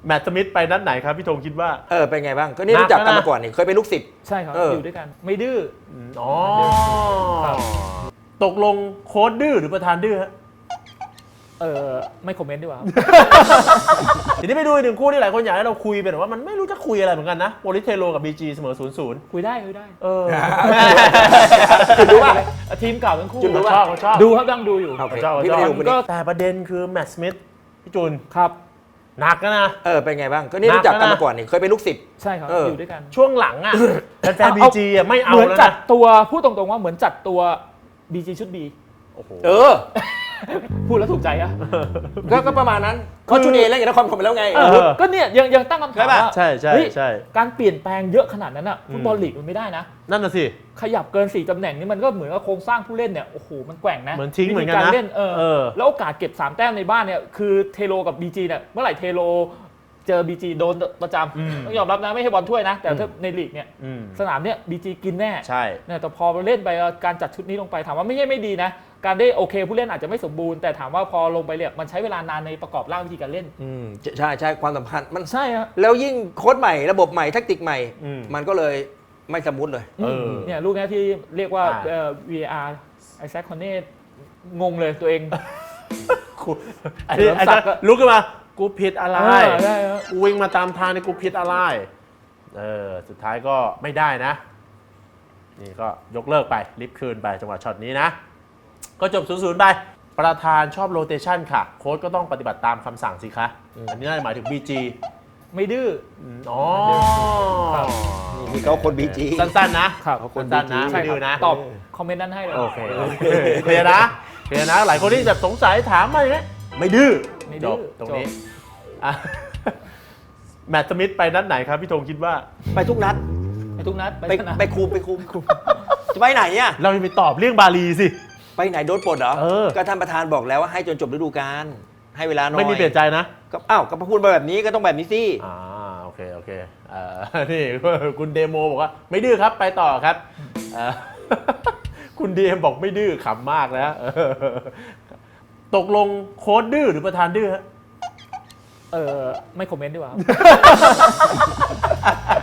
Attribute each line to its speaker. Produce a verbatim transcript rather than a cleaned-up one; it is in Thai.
Speaker 1: แมตต์สมิธไปนัดไหนครับพี่ธงคิดว่า
Speaker 2: เออเป็นไงบ้างก็นี่รู้จักกันมาก่อนนี่เคยเป็นลูกศิษย์
Speaker 3: ใช่ครับอยู่ด้วยกันไม่ดื้อ
Speaker 1: อ๋อตกลงโค้ชดื้อหรือประธานดื้อฮะ
Speaker 3: เออไม่คอมเมนต์ดีกว่า
Speaker 1: ทีนี้ไปดูอีกหนึ่งคู่ที่หลายคนอยากให้เราคุยเป็นว่ามันไม่รู้จะคุยอะไรเหมือนกันนะโปลิสเทโรกับ บี จี เสมอ ศูนย์ ศูนย์
Speaker 3: คุยได้คุยได้
Speaker 1: เออ
Speaker 3: ดูว่าทีมเก่าทั้งคู่
Speaker 1: ชอบชอบ
Speaker 3: ดูครับยังดูอยู่
Speaker 1: ชอบชอบแต่ประเด็นคือแมตต์สมิธพี่จูน
Speaker 3: ครับ
Speaker 2: หนักนะเออเป็นไงบ้างก็นี่รู้จักกันมาก่อนนี่เคยเป็นลูกศิษย์
Speaker 3: ใช่ครับอยู่ด้วยกัน
Speaker 1: ช่วงหลังอ่ะแฟน บี จี ไม่เอา
Speaker 3: เหมือนจัดตัวพูดตรงๆว่าเหมือนจัดตัว บี จี ชุด B
Speaker 1: โอ้โห
Speaker 2: เออ
Speaker 3: พูดแล้วถูกใจอะ
Speaker 2: ก็ประมาณนั้นเขาชุดเอแล้วอย่างนครปฐมไปแล้วไง
Speaker 3: ก็เนี่ยยังยังตั้งคำถามว่า
Speaker 1: ใช่ใช่ใช่
Speaker 3: การเปลี่ยนแปลงเยอะขนาดนั้นอะฟุตบอลลีกมันไม่ได้นะ
Speaker 1: นั่นน่ะสิ
Speaker 3: ขยับเกินสี่ตำแหน่งนี่มันก็เหมือนกับโครงสร้างผู้เล่นเนี่ยโอ้โหมันแกว่งนะ
Speaker 1: เหมือนทิ้งเหมือนกันนะ
Speaker 3: เล่นเออแล้วโอกาสเก็บสามแต้มในบ้านเนี่ยคือเทโรกับ บี จี เนี่ยเมื่อไหร่เทโรเจอ บี จี โดนประจำต้องยอมรับนะไม่ใช่บอลถ้วยนะแต่ถ้าในลีกเนี่ยสนามเนี่ย บี จี กินแน่
Speaker 1: ใช่
Speaker 3: เนี่ยแต่พอเล่นไปการจัดชุดนี้ลงไปถามว่าไม่ใช่ไม่ดีนะการได้โอเคผู้เล่นอาจจะไม่สมบูรณ์แต่ถามว่าพอลงไปเนี่ยมันใช้เวลานานในประกอบร่างวิธีการเล่น
Speaker 2: อืมใช่ใช่ความสำคัญมัน
Speaker 3: ใช่ฮะ
Speaker 2: แล้วยิ่งโค้ชใหม่ระบบใหม่แทคติกใหม่มันก็เลยไม่สมูทเลย
Speaker 3: เนี่ยลูกนี้ที่เรียกว่า วี อาร์ ไอแซคคอนเน่งงเลยตัวเอง
Speaker 1: ไอ้ไอ้ลุกขึ้นมากูผิดอะไรกูวิ่งมาตามทางในกูผิดอะไรเออสุดท้ายก็ไม่ได้นะนี่ก็ยกเลิกไปลิฟต์คืนไปจังหวะช็อตนี้นะก็จบ ศูนย์ ศูนย์ ไปประธานชอบโรเตชันค่ะโค้ชก็ต้องปฏิบัติตามคำสั่งสิคะอันนี้น่าจะหมายถึง บี จี
Speaker 3: ไม่ดื้อ
Speaker 1: อ๋อ
Speaker 2: นี่เขาคน บี จี
Speaker 1: สั้นๆนะเขาคนสั้นนะไม่ดื้อนะ
Speaker 3: ตอบคอมเมนต์นั้นให้เลย
Speaker 1: โอเคเคลียร์นะเคลียร์นะหลายคนที่แบบสงสัยถามมาอย่างนี้ไม่ดื้อจบตรงนี้แมตต์สมิธไปนัดไหนครับพี่ธงคิดว่า
Speaker 2: ไปทุกนัด
Speaker 3: ไปทุกนัด
Speaker 2: ไปไปคุมไปคุมจะไปไหนเนี่ย
Speaker 1: เราจะไปตอบเรื่องบาลีสิ
Speaker 2: ไปไหนโดนปลดเหรอก็ท่านประธานบอกแล้วว่าให้จนจบฤดูกาลให้เวลาหน่อย
Speaker 1: ไม่มีเปลี่ยนใจนะ
Speaker 2: ก็อ้าวก็พูดมาแบบนี้ก็ต้องแบบนี้สิ
Speaker 1: อ่าโอเคโอเคอ่านี่คุณเดโมบอกว่าไม่ดื้อครับไปต่อครับคุณดีเอ็มบอกไม่ดื้อขำมากนะตกลงโค้ชดื้อหรือประธานดื้อฮะ
Speaker 3: เออไม่คอมเมนต์ดีกว่า